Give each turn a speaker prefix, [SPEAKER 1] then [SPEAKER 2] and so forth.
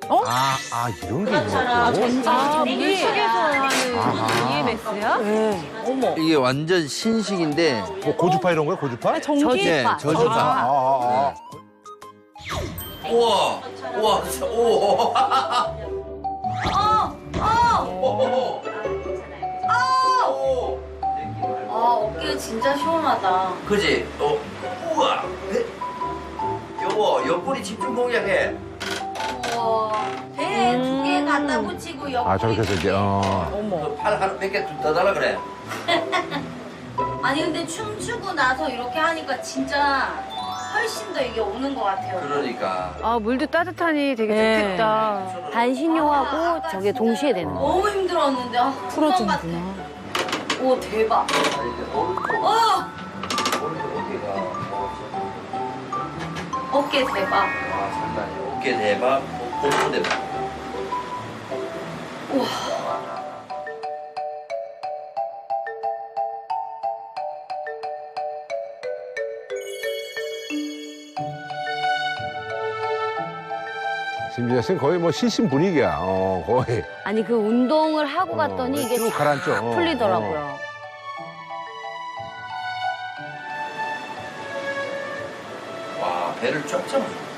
[SPEAKER 1] 이런 게
[SPEAKER 2] 그렇잖아.
[SPEAKER 1] 있었고.
[SPEAKER 3] 물속에서 하는 EMS야?
[SPEAKER 2] 어머.
[SPEAKER 4] 이게 완전 신식인데
[SPEAKER 1] 뭐 고주파 이런 거야, 고주파?
[SPEAKER 4] 네,
[SPEAKER 3] 전기파.
[SPEAKER 4] 저주파. 우와, 우와, 진짜, 오.
[SPEAKER 2] 어깨 진짜 시원하다.
[SPEAKER 4] 그지? 우와. 여보, 옆구리 집중 공략해.
[SPEAKER 2] 우와. 배 두 개 갖다 붙이고 옆구리
[SPEAKER 1] 저렇게 해서 이제,
[SPEAKER 4] 팔 하나 몇 개 더 달라 그래.
[SPEAKER 2] 아니 근데 춤추고 나서 이렇게 하니까 진짜 훨씬 더 이게 오는 것 같아요.
[SPEAKER 4] 그러니까.
[SPEAKER 3] 물도 따뜻하니 되게 좋겠다.
[SPEAKER 5] 반신욕하고 저게 동시에 되는 거.
[SPEAKER 2] 너무 힘들었는데 풀어주는구나. 오 대박.
[SPEAKER 4] 이제 오른쪽, 오른쪽 어깨가.
[SPEAKER 2] 어깨 대박.
[SPEAKER 4] 와, 장난이야. 어깨 대박, 복부 대박.
[SPEAKER 1] 심지어 쌤 거의 뭐 실신 분위기야, 거의.
[SPEAKER 5] 아니 그 운동을 하고 갔더니 이게
[SPEAKER 1] 쭉 가라앉죠.
[SPEAKER 5] 싹 풀리더라고요.
[SPEAKER 4] 와, 배를 쫙 잡아줘.